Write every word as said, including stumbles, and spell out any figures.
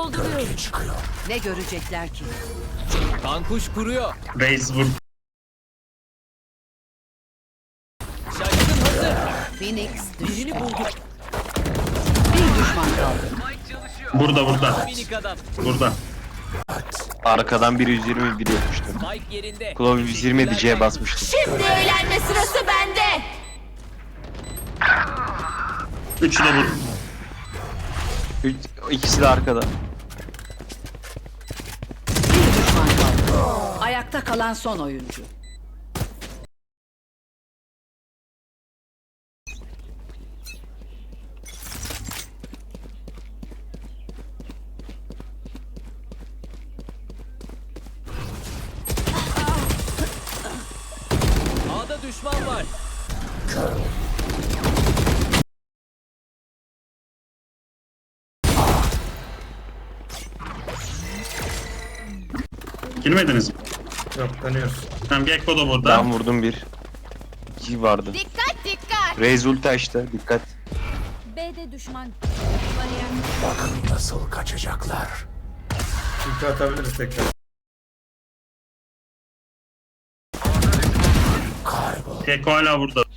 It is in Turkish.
Dolduruyorum. Ne görecekler ki? Kankuş kuruyor. Reis vur. Şaşkın hazır. Phoenix düştü. Birini bulduk. Bir düşman kaldı. Burada burada. Minik adam. Burada. Arkadan biri yüz yirmi bir yapmıştı. Spike yerinde. Klov yüz yirmi bir C'ye basmıştı. Şimdi eğlenme sırası bende. Üçü de vur. Üç, ikisi de arkada. Bir düşman kaldı. Ayakta kalan son oyuncu. A'da düşman var. Girmediniz mi? Yok dönüyoruz. Tamam Gekko da burada. Ben vurdum bir. İki vardı. Dikkat dikkat. Raze ulti açtı. Dikkat. B'de düşman. Ulti atabiliriz tekrar. Gekko hala burada.